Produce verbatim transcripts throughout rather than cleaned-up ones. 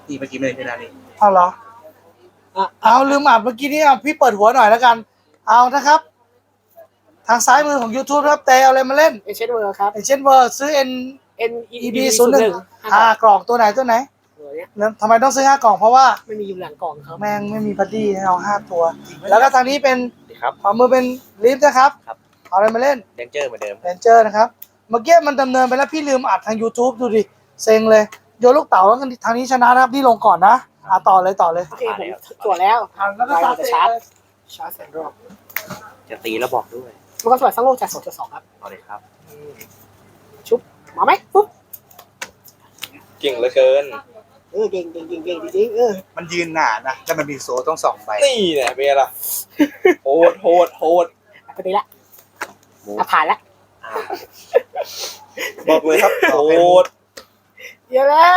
ตีเมื่อกี้ไม่ได้ชนะนี่เอาเหรออ่ะเอาลืมอ่านเมื่อกี้นี้อ่ะพี่เปิดหัวหน่อยแล้วกันเอานะครับ ทางซ้ายมือของ YouTube นะครับแต่เอาอะไรมาเล่นเอเชนเวอร์ครับอย่างเช่นเวอร์ซื้อ N N E B ศูนย์หนึ่งห้ากล่องตัวไหนตัวไหนตัวเนี้ยแล้วทำไมต้องซื้อห้ากล่องเพราะว่าไม่มีอยู่หลังกล่องครับแม่งไม่มีพัดดี้ให้เอาห้าตัว แล้วก็ทางนี้เป็นดีครับขวามือเป็นลิฟต์นะครับครับเอาอะไรมาเล่นเดนเจอร์เหมือนเดิมเรนเจอร์นะครับ เมื่อกี้มันดำเนินไปแล้วพี่ลืมอัดทาง YouTube ดูดิ เซ็งเลย โยนลูกเต๋าแล้วทางนี้ชนะนะครับที่ลงก่อนนะอ่ะต่อเลยต่อเลยโอเคผมตรวจแล้วอ่ะแล้วก็เราสตาร์ทจะชาร์จชาร์จแสนรอบจะตีแล้วบอกด้วยมันก็สวยสังโลกจากสองจุดสองครับเอาเลยครับชุบมาไหมปุ๊บเก่งเหลือเกินเออเก่งเก่งเก่งเก่งจริงๆเออมันยืนหนานะแล้วมันมีโซ่ต้องสองใบนี่เนี่ยเป็นไงล่ะโหดโหดโหดปกติละอ่ะผ่านละอ่าบอกเลยครับโหดเยอะแล้ว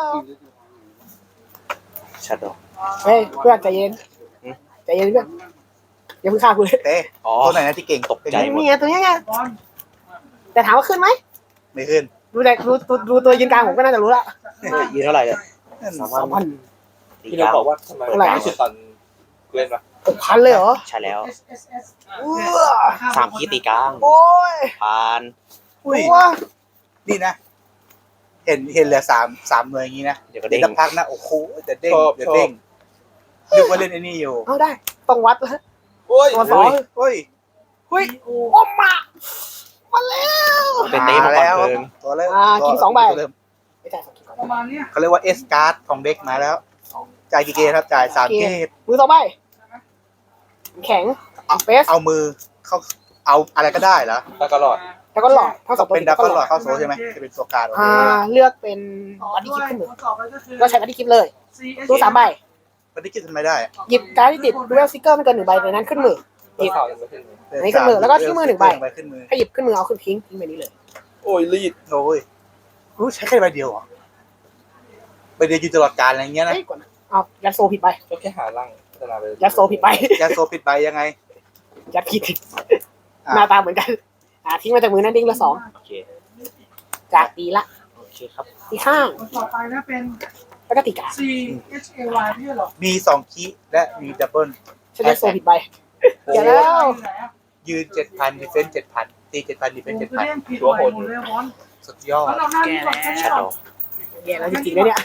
ชัดดอกเฮ้ยเพื่อนใจเย็นใจเย็นเพื่อนอย่าเพิ่งฆ่ากูเลยเต้อ๋อตัวไหนนะที่เก่งตกใจหมดนี่ไงตัวนี้ไงแต่ถามว่าขึ้นไหมไม่ขึ้นดูแต่ดูดูดูตัวยืนกลางผมก็น่าจะรู้ละยืนเท่าไหร่เนี่ยสามพันตีพี่กเราลางบอกว่าทำไมเท่าไหร่ไม่ใช่ตอนเล่นวะหกพันเลยเหรอใช่แล้วเอื้อสามคีตีกลางโอ้ยผ่านอุ้ยตัวนี่นะ เห็นเห็นเหลือสามสามหน่วยอย่างนี้นะเดี๋ยวก็เดี๋เด้ยวงสักพักนะโอ้โหเดี๋ยวเด้งเดี๋ยวเด้งนึกว่าเล่นไอ้นี่อยู่เอาได้ต้องวัดแล้วโอ้ยตัวสองเฮ้ยเฮ้ยโอ้มามาแล้วเป็นเต้มาก่อนแล้วเพิ่งตัวเริ่มอ่ากินสองใบตัวเริ่มไม่จ่ายสองคิดก่อนประมาณเนี้ยเขาเรียกว่าเอสการ์ดของเด็กมาแล้วจ่ายกี่เกมครับจ่ายสามเกมมือสองใบแข็งเฟสเอามือเข้าเอาอะไรก็ได้เหรอตะกรอดแล้วก็หลอดทั้งสองตัวเป็นดับเบิลหลอดเข้าโซ่ใช่ไหมจะเป็นโซการ์ดอ่าเลือกเป็นบัดดี้คิปขึ้นมือต่อไปก็คือก็ใช้บัดดี้คิปเลยตู้สามใบมันได้คิดทำไมได้หยิบการ์ดที่ติดดูเวลซิกเกอร์ไม่เกินหนึ่งใบในนั้นขึ้นมือตัวข่าวยังไม่ขึ้นเลยอันนี้ขึ้นมือแล้วก็ที่มือหนึ่งใบขึ้นมือให้หยิบขึ้นมือเอาขึ้นทิ้งทิ้งไปนี้เลยโอ้ยรีดโอ้ยรู้ใช้แค่ใบเดียวเหรอใบเดียวอยู่ตลอดกาลอะไรเงี้ยนะเฮ้ยกดนะเอายัดโซผิดไปก็แค่หาร่างพัฒนาไปยัดโซผิดไปยาโซปิดใบยังไงยัดผิดอ่ะหน้าตาเหมือนกันอ่าทิ้งมาจากมือนั้นดิ้งละสองโอเคจากตีละโอเคครับตีข้างคนต่อไปนะเป็นแล้วก็ตีกา C H A Y พี่เหรอมีสองคีย์และมีดับเบิลฉันยัดโซผิดไปโอ้เดี๋ยวแล้วยืนเจ็ดพันดิเฟนเจ็ดพันตีเจ็ดพันดิเฟเป็น นเจ็ดคือพันเล่นผิดใหม่หมดเลยบอลสุดยอดแล้วเราหน้าที่ก่อนแค่ชัดนี้ดก่ออน กแย่แล้วจริงๆนะเนี่ย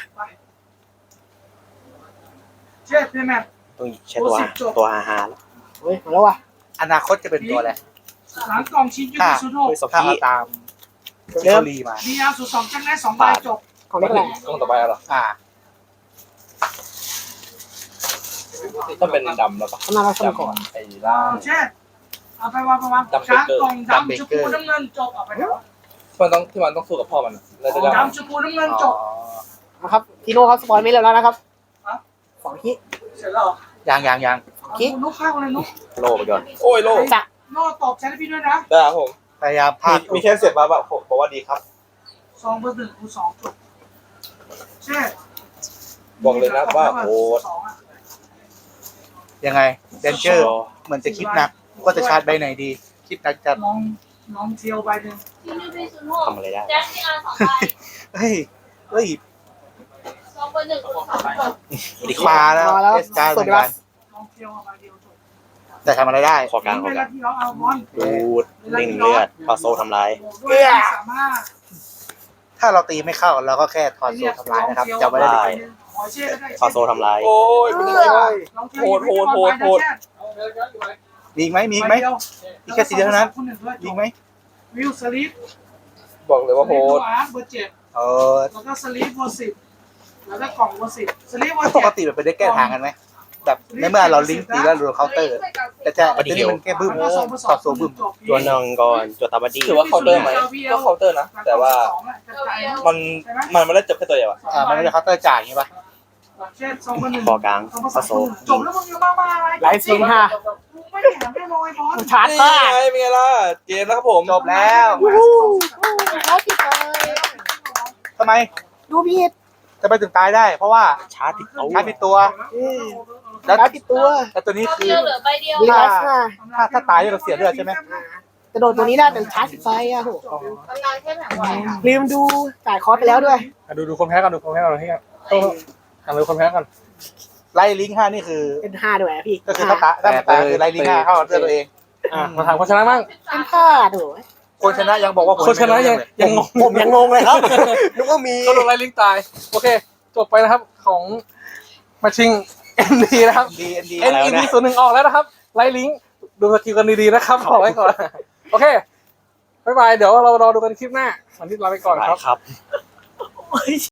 เช็ดเพย์แมทต้องใช้ตัวตัวฮาฮาแล้วเฮ้ยมาแล้วว่ะอนาคตจะเป็นตัวอะไรหลังกล่องชิ้นยูนิสุดหกเฮ้ยสองถ้าคีเอาตามที่เขาลีมาดีอาร์สุดสองจังได้สองใบจบของเล็กแหละต้องต่อไปอะไรอ่าต้องเป็นดำแล้วปะทำงานเราสมัก่อนไอ้ล่างเช็ดเอาไปวางไปวางชาร์จกล่องดำชมพูน้ำเงินจบเอาไปแล้วมันต้องที่มันต้องสู้กับพ่อมันแล้วจะได้ดำชมพูน้ำเงินจบนะครับทีโน่ครับสปอยไม่เร็วแล้วนะครับสองคิเสร็จแล้วยังยังยังคิดนุ๊กข้าวเลยนุ๊กโลไปก่อนโอ้ยโลจะโน่ตอบแชทให้พี่ด้วยนะได้ครับผมพยายามพามีดมีแค่เสียบมาแบบผมบอกว่าดีครับสองเบอร์หนึ่งคูสองจบเช็ดบอกเลยนะว่าโหดยังไงเดนเจอร์เหมือนจะคิดหนักว่าจะชาร์จใบไหนดี คิดหนักจัดลองลองเทียวใบหนึ่งทำอะไรได้แจ็คที่อาร์สองใบเฮ้ยเฮ้ยสองเบอร์หนึ่งคูณสองจบดีมาแล้วเอสการ์ดเหมือนกันลองเทียวใบเดียวจบแต่ทำอะไรได้ขอกลางขเวอกลาลางที่เราเอาบอลดูดเล่งเลือดพอโซทำลายด้วยสามารถถ้าเราตีไม่เข้าเราก็แค่ถอนโซ่ทำลายนะครับจำไว้ได้เลยพอโซทำลายโอ้ยเป็นยังไงวะมีอีกไหมมีอีกไหม อีกแค่สีเดียวเท่านั้น มีอีกไหมวิวสลิปบอกเลยว่าโหดเบอร์เจ็ดเออแล้วก็สลิปเบอร์สิบแล้วก็กล่องเบอร์สิบสลิปเบอถ้าร์ปเจ็กดติมันเป็นได้แก้ทางกันไหมแบบในเมื่อเราลิงก์ตีแล้วเราเคาน์เตอร์ แต่จะแต่นี่มันแค่บึ้มถอดโซ่บึ้มตัวนองก่อนตัวตาบัดดี้ถือว่าเคาน์เตอร์ไหมก็เคาน์เตอร์นะ แต่ว่ามันมันไม่ได้จบแค่ตัวเดียวอะอ่ามันไม่ได้เคาน์เตอร์จ่ายอย่างงี้ป่ะเช่นสองพันหนึ่งคอกลางพอโซจบแล้วมึงยังบ้าบ้าอะไรไลฟ์ซิงห้าไม่ได้หันไม่มองไอ้บอลชาร์จนี่ผ้าไงเป็นไงล่ะเกมแล้วครับผมจบแล้วเขาผิดเลยทำไมดูผิดจะไปถึงตายได้ เพราะว่าชาร์จติดเอาชาร์จผิดตัวแล้แล้ว วผิดตัวแล้วตัวนี้เอาคือเดียวเหลือใบเดียวดีไลฟ์ห้าถ้าถ้าตายเราเสียเลือดใช่ไหมกระโดดตัวนี้ได้แต่ชาร์จผิดไฟอ่ะโหกำลังแค่แผงไหวลืมดูจ่ายคอร์สไปแล้วด้วยดูดูคนแพ้กันดูคนแพ้กันที่อ่ะเลยคนแพ้ก่อนไล่ลิงก์ห้านี่คือเป็นห้าด้วยอะพี่ก็คือถ้าตาถ้ามันตายคือไล่ลิงก์ห้าเข้าเลือดตัวเองอ่ะมาถามคนชนะบ้างเป็นห้าด้วยคนชนะยังบอกว่าผมคนชนะยังยังงงผมยังงงเลยครับนึกว่ามีก็โดนไล่ลิงก์ตายโอเคจบไปนะครับของมาชิง เอ็น ดี นะครับดีเอ็นดีเอ็น อี ดี ศูนย์หนึ่งออกแล้วนะครับไล่ลิงก์ดูสกิลกันดีๆนะครับขอไว้ก่อนโอเคบ๊ายบายเดี๋ยวเรารอดูกันคลิปหน้าวันนี้ลาไปก่อนครับครับ